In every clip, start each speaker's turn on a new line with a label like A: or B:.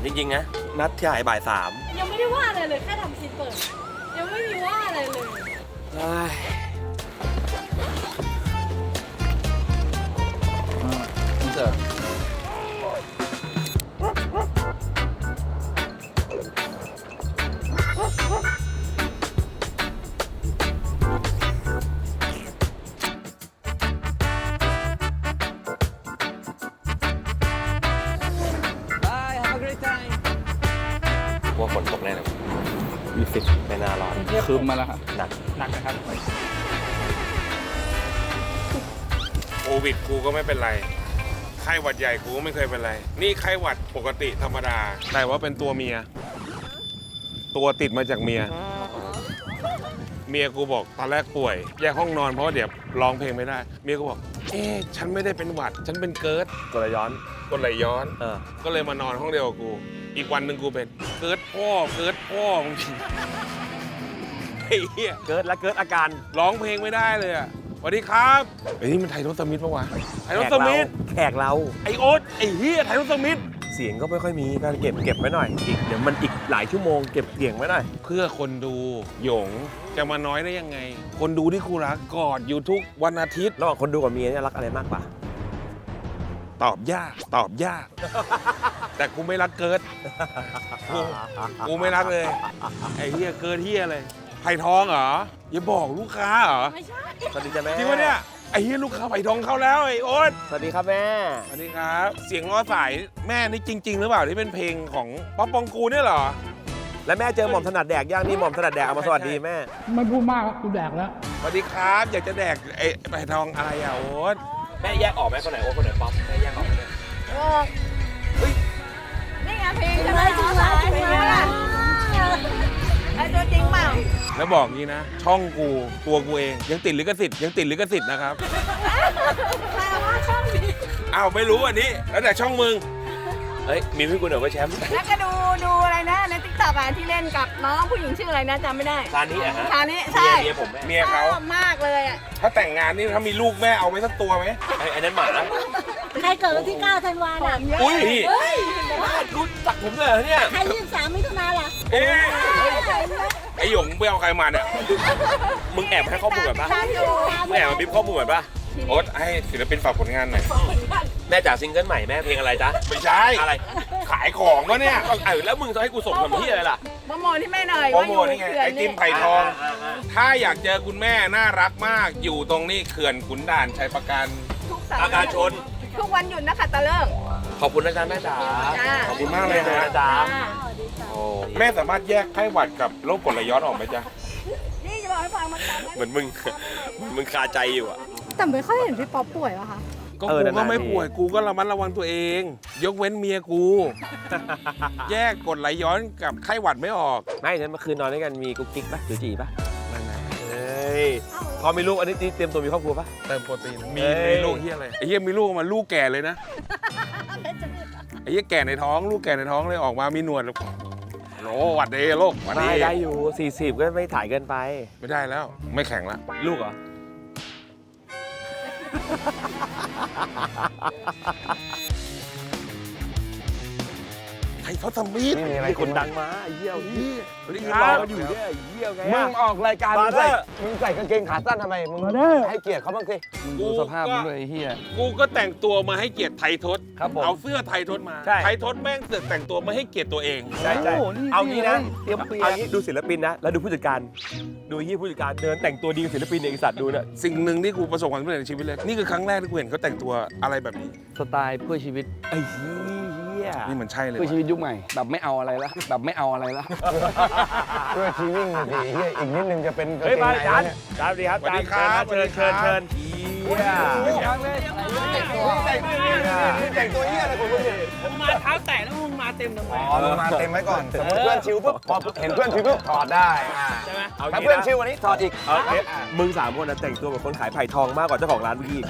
A: ริงๆนะนัดถ่ายบ่าย 3
B: ยังไม่ได้ว่าอะไรเลยแค่ทำคลิปเปิดยังไม่มีว่าอะไรเลย
C: อินเสิร์ต
A: ว่าฝนตกแน่เลยมีสิทธิ์ไม่น่าร้อน
C: คืมมาแล้วครับ
A: หนัก
C: หนักนะครับ
D: โควิดกูก็ไม่เป็นไรไข้หวัดใหญ่กูก็ไม่เคยเป็นไร นี่ไข้หวัดปกติธรรมดา แต่ว่าเป็นตัวเมีย ตัวติดมาจากเมีย เมียกูบอกตอนแรกป่วยแยกห้องนอนเพราะว่าเดี๋ยวร้องเพลงไม่ได้ เมียกูบอกฉันไม่ได้เป็นหวัด ฉันเป็นเกิร์ด
A: กดย้อน
D: กดไหลย้อน
A: เออ
D: ก็เลยมานอนห้องเดียวกับกู อีกวันหนึ่งกูเป็นเกิร์ดพ่อมึงไอ้เหี้ย
A: เกิดแล้วเกิดอาการ
D: ร้องเพลงไม่ได้เลยอ่ะสวัสดีครับไอ้นี่มันไทยรถสมิธปะวะไทยรถสมิธ
A: แขกเรา
D: ไอโอ๊ตไอเฮียไทยรถสมิธ
A: เสียงก็ไม่ค่อยมีการเก็บไว้หน่อยอีกเดี๋ยวมันอีกหลายชั่วโมงเก็บเสียงไว้หน่อย
D: เพื่อคนดูหยงจะมาน้อยได้ยังไง คนดูที่กูรักกอดอยู่ทุกวันอาทิตย์
A: ระหว่างคนดูกับเมียเนี่ยรักอะไรมากกว่า
D: ตอบยาก แต่กูไม่รักเกิร์ดกูไม่รักเลยไอเฮียเกิร์ดเฮียเลยไผ่ทองเหรออย่าบอกลูกค้าเหรอ
B: ไม่ใช่
A: สวัสดีจ้ะแม่
D: จริงปะเนี่ยไอเฮียลูกค้าไผ่ทองเข้าแล้วไอโอ๊ต
A: สวัสดีครับแม่
D: สวัสดีครับ เสียงล้อสายแม่นี่จริง ๆ หรือเปล่าที่เป็นเพลงของป๊อปปองกูเนี่ยเหรอ
A: แล้วแม่เจอหม่อมถนัดแดกย่างนี่หม่อมถนัดแดกเอามาสวัสดีแม่
C: ไม่พูดมากครับกูแดกแล้ว
D: สวัสดีครับอยากจะแดกไอ้ไผ่ทองอะไรอ่ะโอ๊ต
A: แม่แยกออกไหมคนไหนโอ้คนไหนป๊อปแม่แยกออกไหม
B: นี่ไงเพลงใช่ไหมจริงไหมจริงไหมไอ้ตัวจริงเปล่า
D: แล้วบอกงี้นะ ช่องกูตัวกูเองยังติดลิขสิทธิ์นะครับ
B: ใครว่าช่องนี้
D: อ้าวไม่รู้อันนี้แล้วแต่ช่องมึง
A: เฮ้ยมีพี่กูเหนือว่าแชมป์
B: แล้วก็ดูอะไรนะในติ๊กต็อกที่เล่นกับน้องผู้หญิงชื่ออะไรนะจำไม่ได้
A: ซานี้อะฮะ
B: ชานี้ใช่
A: เมียผมแม่
D: เมียเขา
B: ชอบมากเลยอ่ะ
D: ถ้าแต่งงานนี่ถ้ามีลูกแม่เอาไว้สักตัวไหม
A: ไอ้นั้นหมา
E: ใครเกิดวันที่ 9 ธันวาน่ะ
D: อุ้ย
A: พี่รู้จักผมเลยเหรอเนี่ย
E: ใคร23 มิถุนาล่ะ
D: เอ๊ะไอหยงไปเอาใครมาเนี่ย
A: มึงแอบให้ข้อมูลก่อนปะ
B: ตามอยู่
A: มึงแอบมาบิ๊บข้อมูลก่อนปะ
D: โอ๊ตให้ศิลปินฝากผลงานหน่อย
A: แม่จ๋าซิงเกิลใหม่แม่เพลงอะไรจ๊ะ
D: ไม่ใช่
A: อะไร
D: ขายของวะเนี่ย
A: แล้วมึงจะให้กูส่งทำที่อะไรล่ะ
B: โปรโมทที่แม่หน่อย
D: โปร
B: ว่า
D: โม
B: อยู่
D: ทนี่ไง
B: เขื่อน
D: ไอติ
B: นี่
D: มไผ่ทอง ถ้าอยากเจอคุณแม่น่ารักมากอยู่ตรงนี้เขื่อนขุนด่านชัยประการ
B: ทุกเสาร์
A: อาการชน
B: ทุกวันหยุดนะคะตะเลิก
A: ขอบคุณนะจ๊ะแม่จ๋า
B: จ้า
D: ขอบคุณมากเลยนะ
A: จ๊ะ
D: โอ้แม่สามารถแยกไข้หวัดกับโรคกรดไหลย้อนออกไหมจ๊ะ
B: นี่จะบอกให้ฟังมันจำได้
A: เหมือนมึงคาใจอยู่อะ
B: แต่ไม่ค่อยเห็นพี่ป๊อปป่วยวะคะ
D: ก็
A: เออ
D: กูก็
A: นานๆ
D: ไม่
A: ที
D: ป่วยกูก็ระมัดระวังตัวเอง ยกเว้นเมียกู แยกกรดไหลย้อนกับไข้หวัดไม่ออก
A: ไม่นั้นเมื่อคืนนอนด้วยกันมีกุ๊กกิ๊กปะหรือจีปะ
D: นั่นไง
A: เฮ้ยพอมีลูกอันนี้เตรียมตัวมีครอบครัวปะ
D: เติมโปรตีนมี
A: เอ้ย
D: ลูกเฮียอะไรไอ้เฮียมีลูกมาลูกแก่เลยนะไอ้เฮียแก่ในท้องลูกแก่ในท้องเลยออกมามีหนวดแล้วโอ้หวัดดีโลกหวัดดี
A: ไม่ได้อยู่ 40 ก็ไม่ถ่ายเกินไป
D: ไม่ได้แล้ว ไม่แข็งแล้ว
A: ลูกเหรอ
D: ไทยทอดสมิธ
A: มีคนดังมาไอ้เหี้ย
D: สวัสดี
A: ยื
D: คน รับ
A: รอกันอยู่เนี่ยไอ้เหี้ยไง
F: มึ
A: อะ
F: งออกรายการ
A: บา
F: มึง
A: ร์เด
F: ใส่
A: อร์
F: มึงใส่กางเกงขาสั้นทำไม มึงให้เกียรติเขาบ้างสิ
C: มึงดูสภาพมึงด้วยไอ้เหี้ย
D: กูก็แต่งตัวมาให้เกียรติไทยทศ
A: ครับผม
D: เอาเสื้อไทยทศมา
A: ใช่
D: ไทยทศแม่งเสือกแต่งตัวมาให้เกียรติตัวเอง
A: ใช่ใช่
C: โอ้โหนี่
A: เอางี้นะ
C: เตรียมเปีย
A: เอา
C: ก
A: งี้ดูศิลปินนะ แล้วดูผู้จัดการ ดูเหี้ยผู้จัดการเดินแต่งตัวดีกับศิลปินเนี่ยไอ้สัตว์ดูเนี่ย
D: สิ่งหนึ่งที่กูประสบความสำเร็จในชีวิตเลย นี่คือครั้งแรกที่กูเห็นเขาแต่งตัวอะไรแบบนี้
C: สไตล์เพื่อชีวิต
A: ไอ้เหี้ย
D: นี่มันใช่เลย
C: เพื่อชี
D: ว่ะ
C: วิตยุคใหม่ แบบไม่เอาอะไรละแบบไม่เอาอะไรละ
F: เพื่อชีวิ่งสิเฮียอีกนิดนึงจะเป็นกาง
A: เฮ้ย
F: เกง
A: มา
F: ใน
A: จาน
F: เนี่ย
A: จานสวัสดีครับ
D: สวัสดีครับ
A: เชิญเชิญเชิญเหี้ย
F: แต่งตัวเฮียอะไรของมึงเนี่ย
C: ผมมาเท้าแตะแล้วมึงมาเต็มทำไม
F: อ๋อมึงมาเต็มไว้ก่อน สมมติเพื่อนชิวปุ๊บพอเห็นเพื่อนชิวปุ๊บถอดได้ใช่ไหม
A: เอา
F: ถ้า
A: งี้
F: เพื่อน
A: นะ
F: ชิววันนี้ถอดอีก
A: เอาเอ๊ะมึง3 คนนะแต่งตัวเหมือนคนขายไผ่ทองมากกว่าเจ้าของร้านเมื่อกี้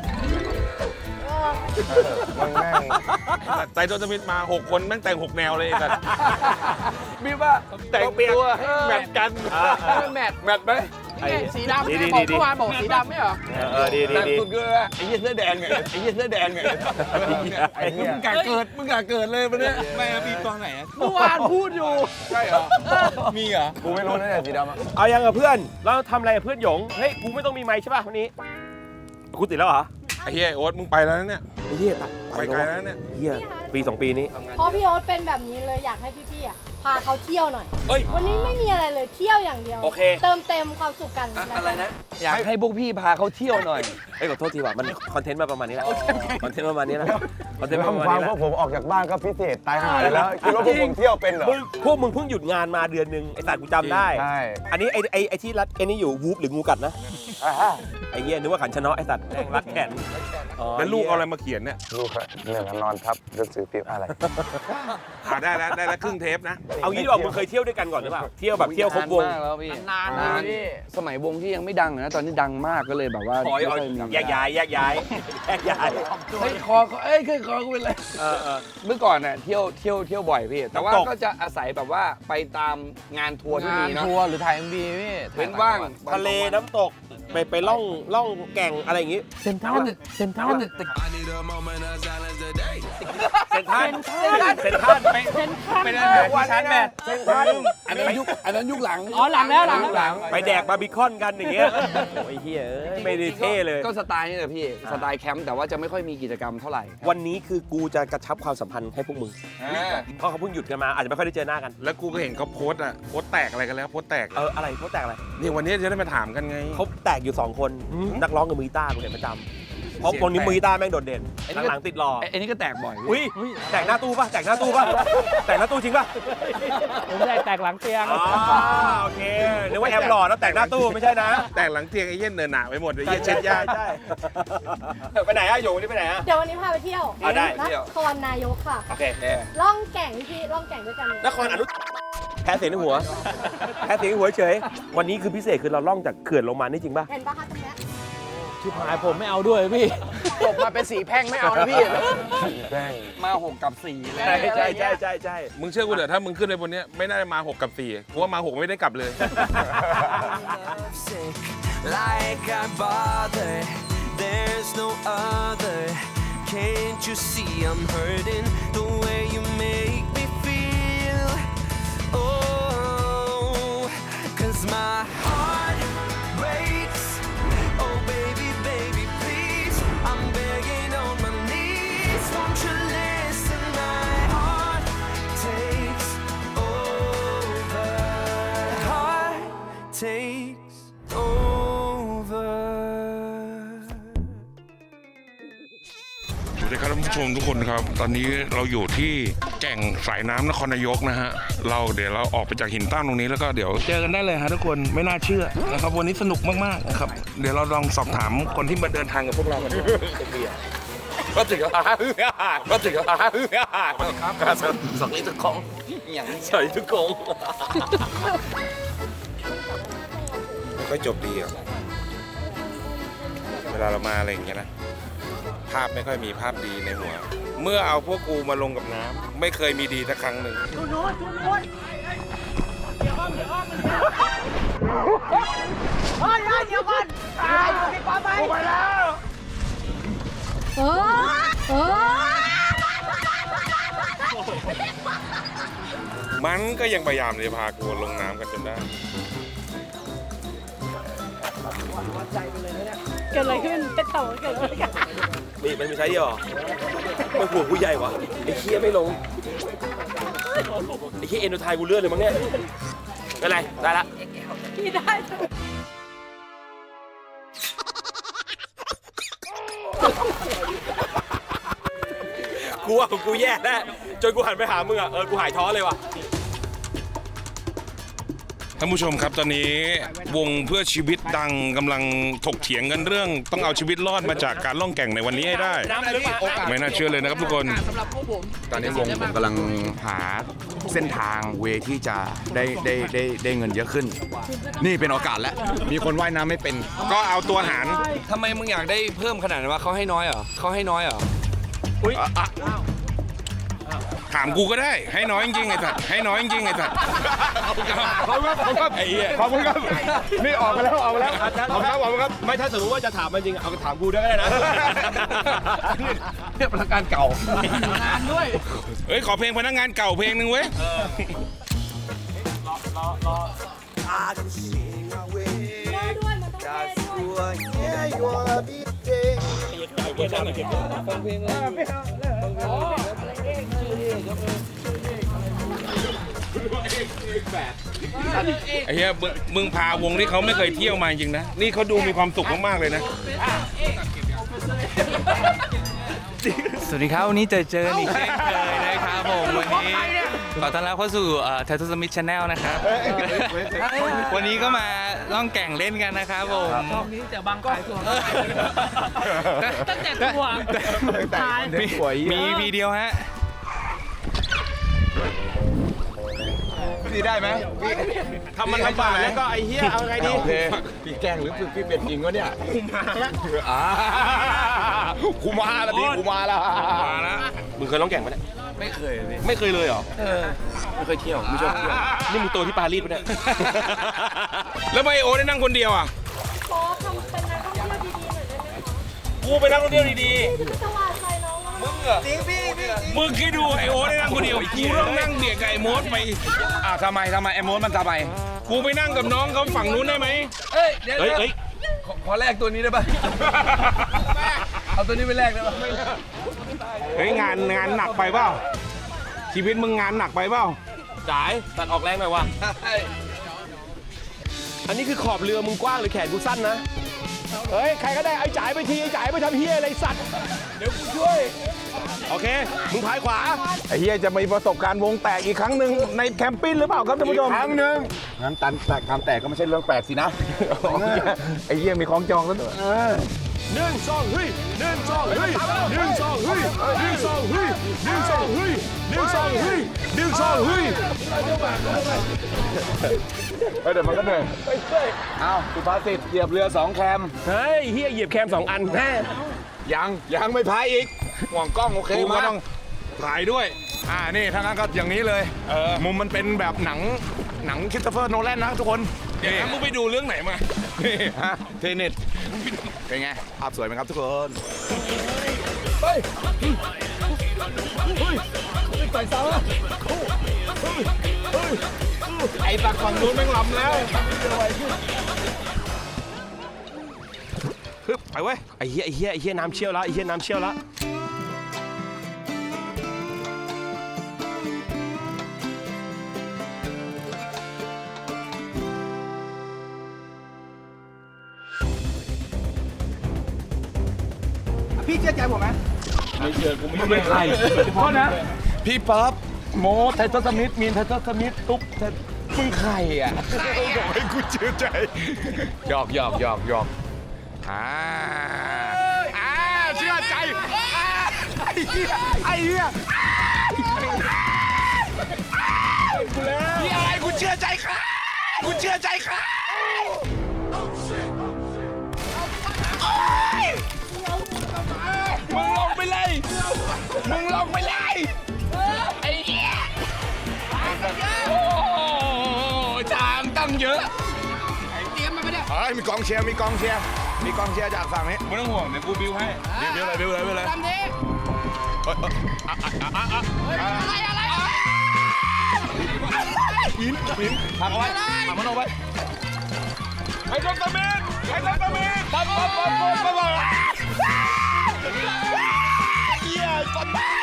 F: มึงแม่ง
D: ไทยทศสมิธมา 6 คนแม่งแต่ง 6 แนวเลยแต่
C: มีว่าแต่งตัวให้แมทกัน
A: อ่า
C: ให้มันแมท
D: แมทไหม
C: สีดำแม่บอกเมื่อวานบอกสีดำไม่เหรอ
A: ดี
C: แต่สุดก็เลยไอ้เหี้ยเสื้อแดงไงไอ้เหี้ยเสื้อแดงไงมึงกะเกิดเลยมันเนี่ย
F: ไม่ครับมีตอนไหน
C: เมื่อวานพูดอยู่ใช่เหรอ
F: มีเหรอ กูไม่รู้นะเนี่ยสีดำอะ
A: เอายังกับเพื่อนเราทำอะไรกับเพื่อนหยงเฮ้ยกูไม่ต้องมีไมค์ใช่ป่ะวันนี้กูติดแล้วเหรอ
D: ไอ้เฮียโอ๊ตมึงไปแล้วนะเนี่ย
A: ไอ้เหี้ย
D: ไปไกลแล้วเนี่ย
A: เหี้ยปี2 ปีนี้
G: เพราะพี่โอ๊ตเป็นแบบนี้เลยอยากให้พี่ๆอ่ะพาเขาเที่ยวหน่อย
A: เฮ้ย
G: วันนี้ไม่มีอะไรเลยเที่ยวอย่างเดียว
A: โอเค
G: เติมเต็มความสุขกัน
C: อะไรนะอยากให้พวกพี่พาเขาเที่ยวหน่อย
A: เอ้ยขอโทษทีว่ะมันคอนเทนต์มาประมาณนี้แหละคอนเทนต์ประมาณนี้แหละคอนเทนต์ประมาณ
F: ฟัง
A: นี้แห
F: พ
A: ละ
F: วกผมออกจากบ้านก็พิเศษตายห่าเลยแล้วคิดว่าพวกผมเที่ยวเป็นเหรอ
A: พวกมึงเพิ่งหยุดงานมาเดือนนึงไอ้สัตว์กูจำได้
F: ใช่
A: อันนี้ไอ้ที่รัดไอ้นี่อยู่วูฟหรืองูกัดนะไอ้เงี้ยนึกว่าขันชะเนาะไอ้สัตว์แม่งรัดแขน
D: แล้วลูกเอาอะไรมาเขียนเนี่ย
F: ลูกเหนื่อยนอนทับหนังสือพิมพ์อะไร
D: ได้แล้วครึ่งเทปนะ
A: เอางี้ดีกว่ามึงเคยเที่ยวด้วยกันก่อนหรือเปล่าเที่ยวแบบเที่ยวครบวง
C: นานมากแล้วพี่นานพี่สมัยวงที่ยังไม่ดังนะตอนนี้ดังมากก็เลยแบบว่า
A: ขอแยกย้ายเฮ้ย
C: คอกูเป็นไรเมื่อก่อนน่ะเที่ยวบ่อยพี่แต่ว่าก็จะอาศัยแบบว่าไปตามงานทัวร์ที่มีเนาะทัวร์หรือถ่าย MV พี่เว้นว่าง
A: ทะเลน้ำตกไปล่องแก่งอะไรอย่างงี้เซนทรัล
C: เซ็นทรัล
A: ไปได้แบบที่ชั้นแม่อันนั้นยุคหลัง
C: อ๋อหลังแล้วหลัง
A: ไปแดกบาร์บีคอนกันอย่างเงี้ยโอ้ยเฮียไม่ได้เท่เลย
C: ก็สไตล์นี่แหละพี่สไตล์แคมป์แต่ว่าจะไม่ค่อยมีกิจกรรมเท่าไหร่
A: วันนี้คือกูจะกระชับความสัมพันธ์ให้พวกมึงเพราะเขาเพิ่งหยุดกันมาอาจจะไม่ค่อยได้เจอหน้ากัน
D: แล้วกูก็เห็นเขาโพสต์แตกอะไรกันแล้วโพสต์แตก
A: อะไรเขาแตกอะไร
D: นี่วันนี้จะได้มาถามกันไง
A: เขาแตกอยู่2 คนนักร้องกับมือกีตาร์กูเห็นประจำเพราะคนนี้มือกีตาร์แม่งโดดเด่นหลังๆติดหล่อ
C: ไอ้นี่ก็แตกบ่อย
A: อุ้ยแตกหน้าตู้ป่ะแตกหน้าตู้จริงป่ะ
C: ผมได้แตกหลังเตียง
A: อ๋อโอเคนึกว่าแอมหล่อแล้วแตกหน้าตู้ไม่ใช่นะ
D: แตกหลังเตียงไอ้เหี้ยเนินหนาไปหมดเลยไอ้เหี้ยเช็ดยาก
A: ใช่ไปไหนอะโยวันนี้ไปไหนอะ
G: เดี๋ยววันนี้พาไปเที่ยว
A: เอาได้
G: นครนายกค่ะ
A: โอเค
G: ล่องแก่งพี่ล่องแก่งด้วยกันเลย
A: นครอนุแพ้เสียงในหัวเฉยวันนี้คือพิเศษคือเราล่องจากเขื่อนลงมานี่จริงป่ะ
G: เห็นปะคะตรงเนี้ย
C: ชิบหายผมไม่เอาด้วยพี่จบมาเป็นสีแพ่งไม่เอานะพี่มา6 กับ 4แล้ว
A: ใช่
D: มึงเชื่อกูเถอะถ้ามึงขึ้นไปบนเนี้ยไม่น่าจะมา6 กับ 4กูว่ามา6ไม่ได้กลับเลย
H: Like I bother, there's no other. Can't you see I'm hurting the way you make me feel? Oh, 'cause my heart breaks. Oh baby, baby, please. I'm begging on my knees. Won't you listen? My heart takes over. Heart takes over.
D: สวัสดีครับท่านผู้ชมทุกคนครับ ตอนนี้เราอยู่ที่แก่งสายน้ำนครนายกนะฮะเดี๋ยวเราออกไปจากหินตั้งตรงนี้แล้วก็เดี๋ยวเจอกันได้เลยฮะทุกคนไม่น่าเชื่อนะครับวันนี้สนุกมากๆนะครับเดี๋ยวเราลองสอบถามคนที่มาเดินทางกับพวกเรากันดูก็ถึงแล้วครับสวัสดีทุกคนสวัสดีทุกคนไม่ค่อยจบดีอ่ะเวลาเรามาอะไรอย่างเงี้ยนะภาพไม่ค่อยมีภาพดีในหัว เมื่อเอาพวกกูมาลงกับน้ำไม่เคยมีดีสักครั้งหนึ่ง มันก็ยังพยายามจะพากูลงน้ำกันจนได้
G: เกิดอะไรขึ้นเป็นเต่าเกิดอะไรกัน
A: มีมันมีใช้เดียวเหรอไม่หัวกูใหญ่วะไอ้เคี้ยไม่ลงไอ้เคี้ยเอ็นโดไทยกูเลื่อนเลยมั้งเนี่ยไม่เป็นไรได้ละ
G: พี่ได้
A: กูว่ากูแย่แน่จนกูหันไปหามึงอ่ะกูหายท้อเลยว่ะ
D: ท่านผู้ชมครับตอนนี้วงเพื่อชีวิตดังกำลังถกเถียงกันเรื่องต้องเอาชีวิตรอดมาจากการล่องแก่งในวันนี้ให้ได้ ไม่น่าเชื่อเลยนะครับทุกคน
I: ตอนนี้วงผมกำลังหาเส้นทางเวที่จะได้เงินเยอะขึ้น นี่เป็นโอกาสแล้ว มีคนว่ายน้ำไม่เป็น
D: ก็เอาตัวหาร
C: ทำไมมึงอยากได้เพิ่มขนาดนั้นวะเขาให้น้อยเหรอ
D: ถามกูก็ได้ ให้น้อยจริงๆไอ้สัตว์ให้น้อยจริงๆไอ้สัตว์
F: ขอบคุณครับไอ้เหี้ยขอบคุณครับนี่ออกมาแล้วขอบคุณครับ
A: ไม่ถ้าสมมติว่าจะถามมันจริงเอาถามกูด้วยก็ได้นะ
C: เนี่ยพนักงานเก่า
D: เฮ้ยขอเพลงพนักงานเก่าเพลงหนึ่งเว้ย ไอ้เหี้ยมึงพาวงที่เขาไม่เคยเที่ยวมาจริงนะ นี่เขาดูมีความสุขมากๆเลยนะ
J: สวัสดีครับ วันนี้เจออีกเช่นเคยนะครับผมวันนี้ขอต้อนรับเข้าสู่Tattoo Smith Channel นะครับ วันนี้ก็มาล่องแก่งเล่นกันนะครับผมช่องนี้จะบังขายตัวตั้งแต่ตัวมีวีเดีโอฮะ
F: พี่ได้ไหม
A: ทำมันลำบากแล้วก็ไอ้เหี้ยเอาไงดี
F: โอเคพี่แกล้งหรือพี่เป็นจริงวะเนี่ยกูมาแล้วพี่กูมาแล้ว
A: มึงเคยร้องแก่งปะเนี่ย
C: ไม่เคยเลย
A: ไม่เคยเลยเหรอ
C: ไม่เคยเที่ยวไม่ชอบเที่ยว
A: นี่มึงโตที่ปารีสปะเนี่ย
D: แล้วไบโอได้นั่งคนเดียวอ่ะ
G: ขอทำเป็นนักท่องเที่ยวดีๆหน่อยได้ไหม
A: กูไปนั่งรถเที่ยวดี
G: พี่จะสว่างใจน้องแล้วนะ
D: มึงคิดดูไอโอได้นั่งคนเดียวกูต้องนั่งเบียดกับไอโมดไป
C: ทำไมไอ้โมดมันทำไม
D: กูไปนั่งกับน้องเขาฝั่งนู้นได้ไหม
C: เอ้ยเดี๋ยว
A: ๆเฮ้ย
C: ขอแลกตัวนี้ได้ป่ะ เอาตัวนี้ไปแลกได้ป่ะ
D: เฮ้ยงานหนักไปเปล่าชีวิตมึงงานหนักไปเปล่า
A: จ่ายตัดออกแรงหน่อยวะอันนี้คือขอบเรือมึงกว้างหรือแขนกูสั้นนะ เฮ้ย ใครก็ได้ไอ้จ่ายไปทีไอ้จ่ายไปทำเฮียอะไรสัตว์ เดี๋ยวกูช่วย โอเค มึงพายขวา
F: ไอ้เหี้ยจะมีประสบการณ์วงแตกอีกครั้งหนึ่งในแคมปิ้งหรือเปล่าครับท่านผู้ชมครั้งหนึ่งงั้นตันแตกความแตกก็ไม่ใช่เรื่องแปลกสินะไอ้เหี้ยมีของจองแล้วด้วย
A: 1 2เฮ้ย1 2เฮ้ย1 2เฮ้ย1 2เฮ้ย1 2เฮ้ย1 2เฮ้ย1 2เฮ้ย
F: เดี๋ยวมันก็เหนื่อยอ้าวสุภาษิตเหยียบเรือ2แคม
A: เฮ้ยเฮียเหยียบแคม2 อันแน่
F: ยังไม่พายอีกห่วงกล้องโอเค
D: กูก็
F: มา
D: ต้องถ่ายด้วย
F: นี่ถ้างั้นก็อย่างนี้เลยมุมมันเป็นแบบหนังคริสโตเฟอร์โนแลนนะทุกคน
D: เดี๋ยวนะมึงไปดูเรื่องไหนมา
F: นี่ฮะเทเน็ตเป็นไงภาพสวยไหมครับทุกคน
D: ไอ้ตักฝั่งนู้นแม่งลำแล้ว
A: ไปเว้ยไอ้เฮียน้ำเชี่ยวแล้วไอ้เฮียน้ำเชี่ยวแล้วพี่เชื่อใจผมไหมไม่เชื่อกูไม่ใครโทษนะ
F: พี่ป๊อปโมไททัสสมิธมีนไททัสสมิธตุ๊กมึงใครอ่ะบอกให้กูเชื่อใจหยอกเชื่อใจไอ้เหี้ยนี่อะไรกูเชื่อใจครับมึงลงไปเลยไอ้เหี้ยโอ้จางตั้งเยอะเตรียมมาไม่ได้มีกองเชียร์จากฝั่งนี้
D: ไม่ต้องห่วงเดี๋ยวกูบิวให้
F: บิวเลยทำดิหินทำเอาไว้ทำมันเอาไว้
D: ไอ้ต้นตะเมน
F: ปั๊บเหี้ยต้นไม้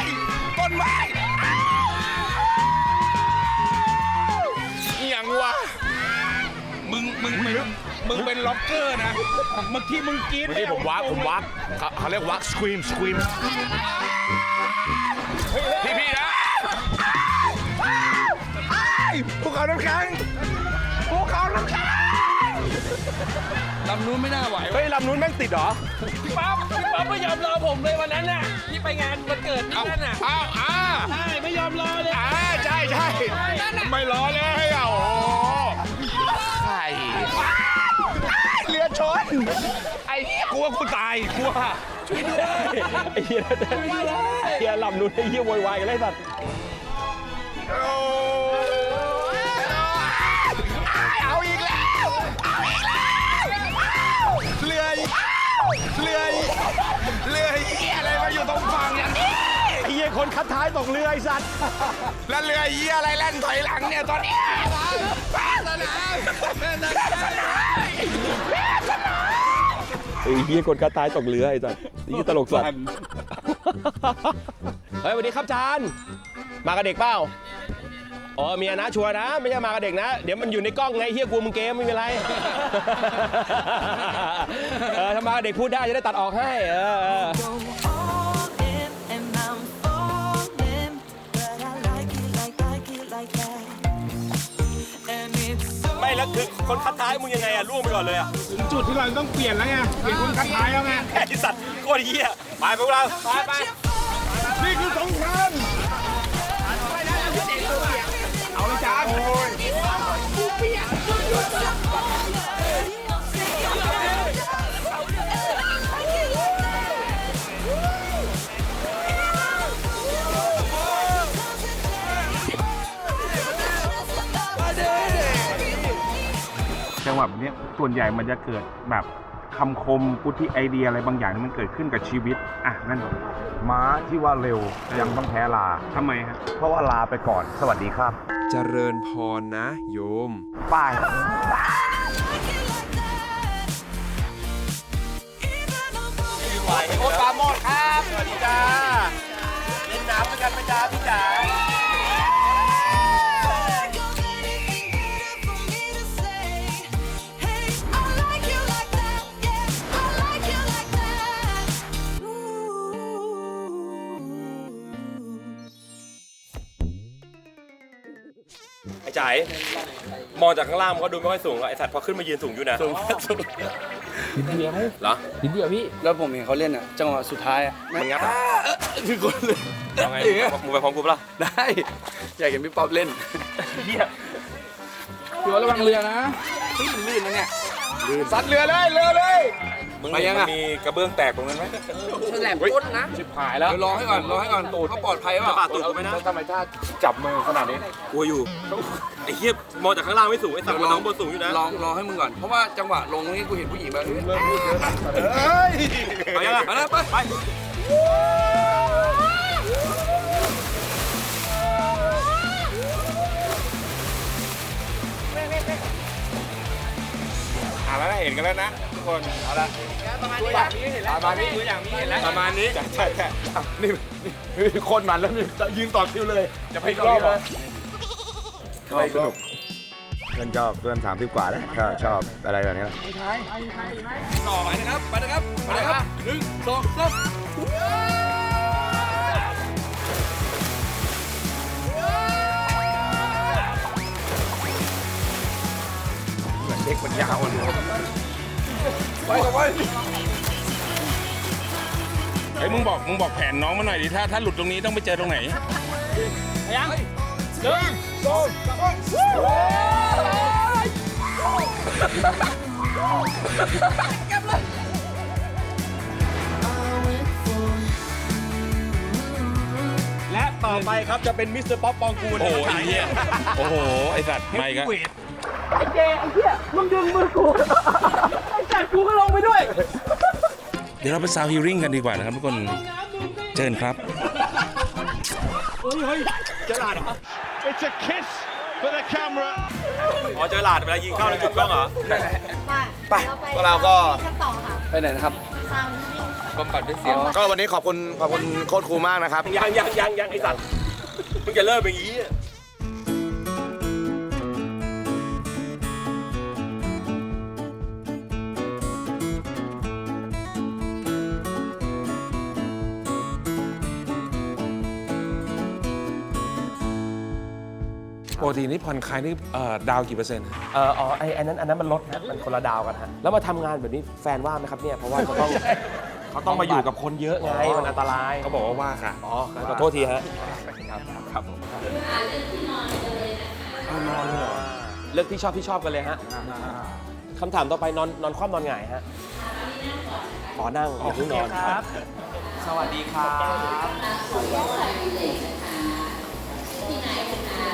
F: เอียงวะ
D: มึงเป็นล็อกเกอร์นะ เมื่อกี้มึงกรี๊ด
F: เมื่อกี้ผมวักเขาเรียกวักสครีมพี่นะภูเขาน้ำแข็ง
C: ลำนู้นไม่น่าไหว
A: เฮ้ยลำนู้นแม่งติดเหรอ
J: พี่ป๊อปไม่ยอมรอผมเลยวันนั้นน่ะที่ไปงานวันเกิดที่นั่นน่ะใช่ไม่ยอมรอเลย
F: ใช่ไม่ล้อเลยโอ้โหใช่เรือชนไอ้เหี้ยกลัวกูตายกลัว
A: ไอ้เฮียลำนู้นไอ้เฮียโวยวายกันเลยสัตว์
F: เอาอีกแล้วเรืออะไรมาอยู่ตรงฝั่งอย่างนี้ไอ้เหี้ยคนคัดท้ายตกเรือไอ้สัตว์แล้วเรือเหี้ยอะไรแล่นถอยหลังเนี่ยตอนนี้
A: ไอ้เฮียคนคัดท้ายตกเรือไอ้สัสนี่ตลกสัสเฮ้ยสวัสดีครับจานมากับเด็กเปล่าอ๋อเมียนะชัวร์นะไม่ใช่มากับเด็กนะเดี๋ยวมันอยู่ในกล้องไงเฮียกลัวมึงเกมไม่เป็นไรถ้ามากับเด็กพูดได้จะได้ตัดออกให้ไม่แล้วคือคนคัดท้ายมึงยังไงล่วงไปก่อนเลย
F: ถึงจุดที่เราต้องเปลี่ยนแล้วไงเปลี่ยนคนคัดท้ายแล้วไง
A: ไอ้สัตว์โคตรเหี้ยไปพวกเราไป
F: นี่คือสงครามเอาเลยจ้าโอ้ยจังหวะแบบนี้ส่วนใหญ่มันจะเกิดแบบคำคมพุทธิไอเดียอะไรบางอย่างที่มันเกิดขึ้นกับชีวิตนั่นม้าที่ว่าเร็วยังต้องแพ้ลาทำไมฮะเพราะว่าลาไปก่อนสวัสดีครับ
D: เจริญพรนะโยม
F: ป้าย
A: โอ๊ตปาโมดครับสวัสดีจ้าเล่นน้ำด้วยกันไหมจ้าพี่จ๋าไอ้จ๋ายมองจากข้างล่างมันก็ดูไม่ค่อยสูงไอ้สัตว์พอขึ้นมายืนสูงอยู่นะสูงนิดเดียวเหรอ
C: นิดเดียวพี่แล้วผมเห็นเขาเล่นจังหวะสุดท้าย
A: มันงับ
C: คือคนเลย
A: เอาไงมึงไปพร้อมกูปะล่ะ
C: ได้อยากเห็นพี่ป๊อปเล่นพี่ว่าระวังเรือนะลื่นนะเนี่ย
F: ซัดเรือเลย
A: มึงมีกระเบื้องแตกตรงนั้นไหม
C: แหลมก้นนะชิบหายแล้วรอให้ก่อนตูดเขาปลอดภัยป่ะ
A: ตูดกูไหมนะ
C: ทำไมถ้าจับมือขนาดนี้
A: กลัวอยู่ไอ้เหี้ยมองจากข้างล่างไม่สูงไอ้สัตว์มองบนสูงอยู่นะ
C: รอให้มึงก่อนเพราะว่าจังหวะลงนี้กูเห็นผู้หญิงแบบนี้
A: ไปยังไงไป
F: แล้วเห็นกันแล้วนะทุกคนเอาละ
C: ประมาณนี้เห็นแล้วประมาณนี้
F: ประมาณนี้ใช่นี่คนมันแล้วนี่ยืนต่อคิวเลยจะไปรอบเลยสนุกเพื่อนชอบเพื่อน30 กว่าแล้วชอบอะไรแบบนี้
C: ต่อไปนะครับไปนะครับ1 2 3
F: เด็กมันยาวเลย
C: ไปต่อไป
D: ไอ้มึงบอกแผนน้องมาหน่อยดิถ้าหลุดตรงนี้ต้องไปเจอตรงไหน
A: ยัง
F: 1 2
A: และต่อไปครับจะเป็นมิสเตอร์ป๊อปปองกูล
D: โอ้โหไอ้เหี้ยโอ้โหไอ้สัตว์ไม่ครับ
B: ไอ้เหี้ยมึงดึงมือกูไอ้จัดกูก็ลงไปด้วย
D: เดี๋ยวเราไปซาวฮีริ่งกันดีกว่านะครับทุกคนเชิญครับ
A: เฮ้ยเจอหลาดเหรอ
F: It's a kiss for the camera
A: อ๋อเจอหลาดเวลายิงเข้าแล้วจุดกล้องเหรอ
C: ไป
F: เราก็
C: ไปไหนนะครับบำบัดด้วยเสียง
F: ก็วันนี้ขอบคุณโค้ชครูมากนะครับ
A: ยังไอ้สัตว์มึงจะเลิกอย่างนี้
D: ปกตินี่ผ่อนคลายนี่ดาวกี่เปอร์เซ็นต์
A: อันนั้นมันลดนะมันคนละดาวกันฮะแล้วมาทำงานแบบนี้แฟนว่าไหมครับเนี่ยเพราะว่าเขาต้องมาอยู่กับคนเยอะไงมันอันตราย
D: เขาบอกว่าค่ะ
A: ขอโทษทีฮะครับนอนเลยเลือกที่ชอบกันเลยฮะคำถามต่อไปนอนคว่ำนอนหงายฮะขอนั่งอย่าเพิ่งนอนครับสวัสดีครับ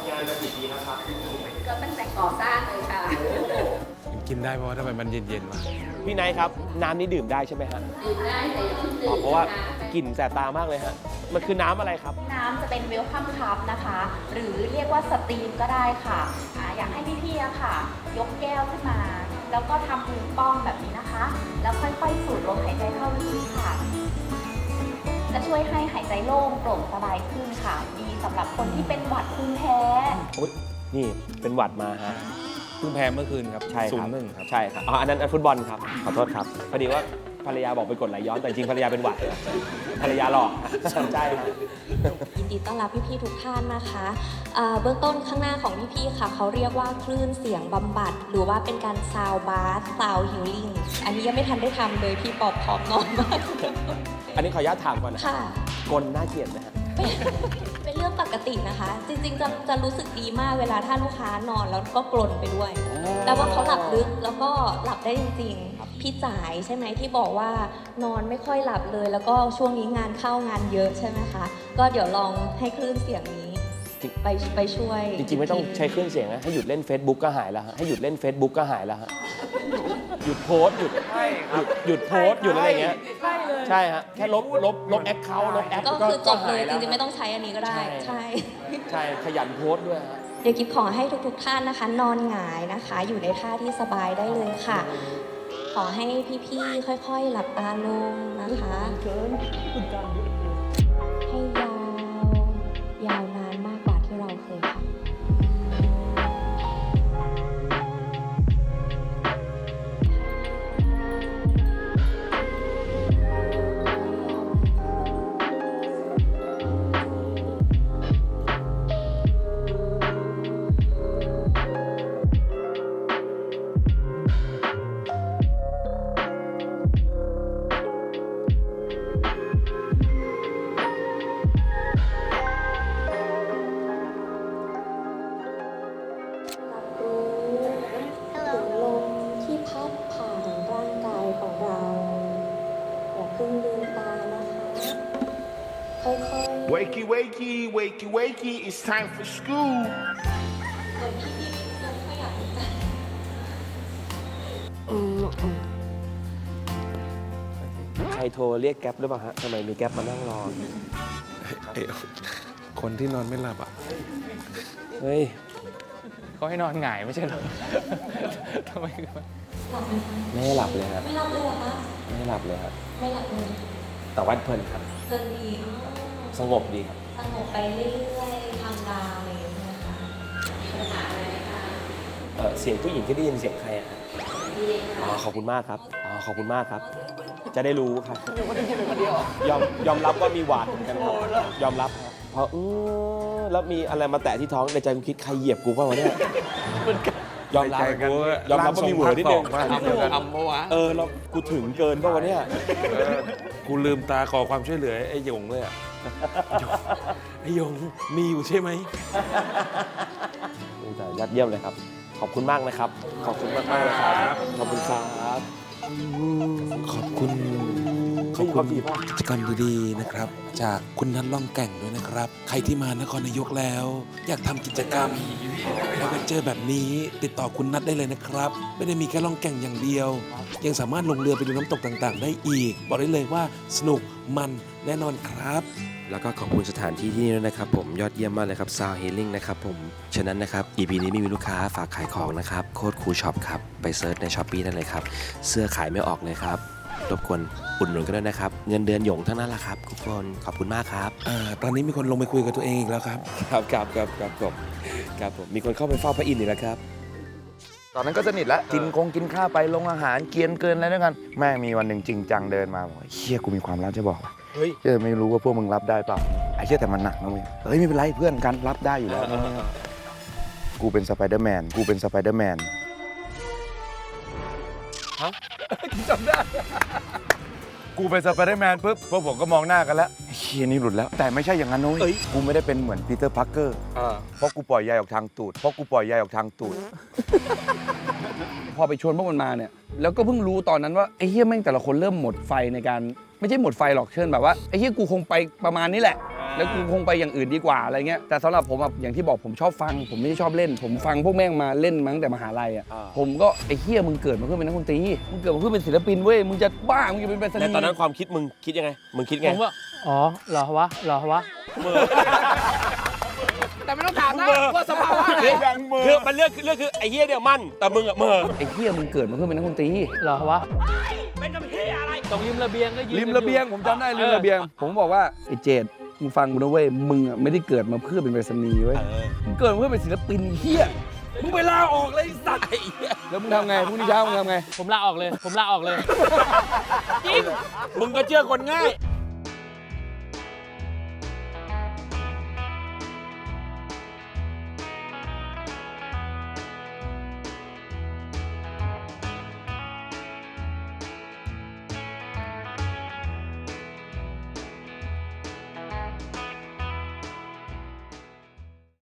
A: งานมากี่ปีแล้วครับ
B: ก็ตั้งแต่ก่อสร้างเลยค่ะ
D: กินได้เพราะว่าทำไมมันเย็นๆวะ
A: พี่ไนท์ครับ น้ำนี้ดื่มได้ใช่ไหมฮะ
B: ดื่มได้แต่อย่าเพิ่งดื่ม
A: เพราะว่ากลิ่นแสบตามากเลยฮะ มันคือน้ำอะไรครับ
K: น้ำจะเป็นเวลคัมคัพนะคะ หรือเรียกว่าสตรีมก็ได้ค่ะอยากให้พี่ๆอะค่ะ ยกแก้วขึ้นมา แล้วก็ทำมือป้องแบบนี้นะคะ แล้วค่อยๆสูดลมหายใจเข้าลึกๆค่ะ จะช่วยให้หายใจโล่งโปร่งสบายขึ้นค่ะ ดีสำหรับคนที่เป็นหวัดภูมิแพ้
A: โอ๊ยนี่เป็นหวัดมาฮะ
J: เพิ่งแพ้เมื่อคืนครับ
A: ใช่ครับ
J: 0-1ครับ
A: ใช่ครับอ๋ออันนั้นฟุตบอลครับ ขอโทษครับ พอดีว่าภรรยาบอกไปกดไหลย้อน แต่จริงภรรยาเป็นหวัด ภรรยาหลอกใช่ครับ
K: ยินดีต้อนรับพี่ๆทุกท่านนะคะเบื้องต้นข้างหน้าของพี่ๆค่ะเขาเรียกว่าคลื่นเสียงบำบัด หรือว่าเป็นการซาวบาสซาวฮิลลิ่งอันนี้ยังไม่ทันได้ทำเลยพี่ปอบพร้อมนอนมาก
A: อันนี้ขออนุญาตถามก่อนนะ
K: ค่ะ
A: กลน่าเกลียดนะฮะ
K: เป็นเรื่องปกตินะคะ จริงๆจะรู้สึกดีมากเวลาถ้าลูกค้านอนแล้วก็กลนไปด้วย แต่ว่าเขาหลับลึกแล้วก็หลับได้จริงๆ พี่จ๋ายใช่ไหมที่บอกว่านอนไม่ค่อยหลับเลย แล้วก็ช่วงนี้งานเข้างานเยอะใช่ไหมคะ ก็เดี๋ยวลองให้คลื่นเสียงนี้ไปช่วย
A: จริงๆไม่ต้องใช้เครื่องเสียงนะให้หยุดเล่น Facebook ก็หายแล้วฮะให้หยุดเล่น Facebook ก็หายแล้วฮะหยุดโพสต์หยุดโพสต์หยุดอะไรเงี้ยใช่ฮะแค่ลบแอคเคาท์ลบแอป
K: ก็คือจบเลย
A: หา
K: จ
A: แล้ว
K: ริงๆไม่ต้องใช้อันนี้ก็ได้
A: ใช่
K: ใช่
A: ใช่ขยันโพสต์ด้วยฮะ
K: เดี๋ยวกิฟขอให้ทุกๆท่านนะคะ นอนหงายนะคะ อยู่ในท่าที่สบายได้เลยค่ะ ขอให้พี่ๆค่อยๆหลับตาลงนะคะให้ยาวนานมากกว่าที่เราเคยทำ รับรู้ถึงลมที่พัดผ่านร่างกายของเรา อย่าเพิ่งลืมตานะคะ ค่อยๆ
L: Wakey, wakey, wakey, wakey, it's time for school.
K: เหมือนพี่ๆยังไม่อยากจะ
A: ใครโทรเรียกแก๊ปหรือเปล่าฮะทำไมมีแก๊ปมานั่งรอ
D: คนที่นอนไม่หลับอ่ะ
A: เฮ้ย
J: เขาให้นอนหงายไม่ใช่เหรอ ทำไม
K: หลับไหมคะ
A: ไม่ให้หลับเลยครับ
K: ไม่หลับเลยเหรอคะ
A: ไม่ให้หลับเลยครับ
K: ไม่หลับเลย
A: แต่ว่าเพลินครับ
K: เดินดี
A: สงบดีครับ
K: สงบไปเรื่อยๆทำดาวอะไรอย่างเงี้ยนะคะมีปัญหาอะไรไหมคะ
A: เสียงผู้หญิงที่ได้ยินเสียงใครอะครับ
K: ดีเลยค่ะ
A: อ๋อขอบคุณมากครับอ๋อขอบคุณมากครับ จะได้รู้ครับยอมรับว่ามีหวาดเหมือนกันครับยอมรับครับพอแล้วมีอะไรมาแตะที่ท้องในใจกูคิดใครเหยียบกูเปล่าวะเนี่ยยอมรับยอมรับว่ามีเหวอนิดนึง
C: อัมปะวะ
A: แล้วกูถึงเกินเปล่าวะเนี่ย
D: กูลืมตาขอความช่วยเหลือไอ้หยงเลยอ่ะ ไอ้หยงมีอยู่ใช่ไหม
A: แต่ยอดเยี่ยมเลยครับ ขอบคุณมากนะครับ ขอบคุณมากมากเลยครับ ขอบคุณครับ
M: ขอบคุณกิจกรรมดีๆนะครับ จากคุณนัทล่องแก่งด้วยนะครับ ใครที่มานครนายกแล้ว อยากทำกิจกรรมแล้วมาเจอแบบนี้ติดต่อคุณนัทได้เลยนะครับ ไม่ได้มีแค่ล่องแก่งอย่างเดียว ยังสามารถลงเรือไปดูน้ำตกต่างๆ ได้อีก บอกได้เลยว่าสนุกมันแน่นอนครับ
A: แล้วก็ขอบคุณสถานที่ที่นี่ด้วยนะครับผมยอดเยี่ยมมากเลยครับ Sound Healing นะครับผมฉะนั้นนะครับ EP นี้ไม่มีลูกค้าฝากขายของนะครับโค้ดคูช็อปครับไปเซิร์ชใน Shopee ได้เลยครับเสื้อขายไม่ออกเลยครับรบกวนอุดหนุนกันด้วยนะครับเงินเดือนหยงทั้งนั้นแหละครับทุกคนขอบคุณมากครับ
M: ตอนนี้มีคนลงไปคุยกับตัวเองอีกแล้วครับ
A: ครับผมมีคนเข้าไปเฝ้าพระอินทร์อีกแล้วครับ
I: ตอนนั้นก็สนิทแล้วกินข้าวไปลงอาหารเกียนเกินอะไรด้วยกันแม่งมีวันหนึ่งจริงจังเดินมาบอกเฮียกูมีความลับจะบอก
A: เฮ้ย
I: เชื่อไม่รู้ว่าพวกมึงรับได้เปล่าไอ้เชื่อแต่มันหนักนะเว้ยเฮ้ยไม่เป็นไรเพื่อนกันรับได้อยู่แล้วกูเป็นสไปเดอร์แมน
A: ฮะ
I: จำได้กูเป็นสไปเดอร์แมนปุ๊บพวกผมก็มองหน้ากันแล้วเฮียนี่หลุดแล้วแต่ไม่ใช่อย่างนั้นนุ้ยกูไม่ได้เป็นเหมือนปีเตอร์พาร์เกอร์เพราะกูปล่อยใยออกทางตูด
C: พอไปชวนพวกมันมาเนี่ยแล้วก็เพิ่งรู้ตอนนั้นว่าไอ้เฮียแม่งแต่ละคนเริ่มหมดไฟในการไม่ใช่หมดไฟหรอกเชิญแบบว่าไอ้เฮียกูคงไปประมาณนี้แหละแล้วกูคงไปอย่างอื่นดีกว่าอะไรเงี้ยแต่สำหรับผมอะอย่างที่บอกผมชอบฟังผมไม่ได้ชอบเล่น ผมฟังพวกแม่งมาเล่นมาตั้งแต่มหาลัยอ่ะผมก็ไอ้เหี้ยมึงเกิดมาเพื่อเป็นนักดนตรีมึงเกิดมาเพื่อเป็นศิลปินเว้ยมึงจะบ้ามึงจะเป็นไปสนิท
A: แต่ตอนนั้นความคิดมึงคิดยังไงมึงคิดไง
J: ผมว่าอ๋อเหรอวะ
C: แต่ไม่ต้องถามนะว่าสภาวะไหน
A: คือมันเรื่องคือไอ้เหี้ยเนี่ยมั่นแต่มึงอะเมอ
C: ไอ้เหี้ยมึงเกิดมาเพื่อเป็นนักดนตรี
J: เหรอวะ
C: ตรงริมระเบียงก็ยืนริมระเบียงผมจำได้ริมระเบียง ผมบอกว่าไอ้เจดมึงฟังกูนะเว้ยมึงอ่ะไม่ได้เกิดมาเพื่อเป็นไปรษณีย์เว้ยมึงเกิดมาเพื่อเป็นศิลปินเฮียมึงไปลาออกเลยไอ้สัตว์แล้วมึงทำไงพรุ่งนี้เช้ามึงทำไง
J: ผมลาออกเลย
A: มึงก็เชื่อคนง่าย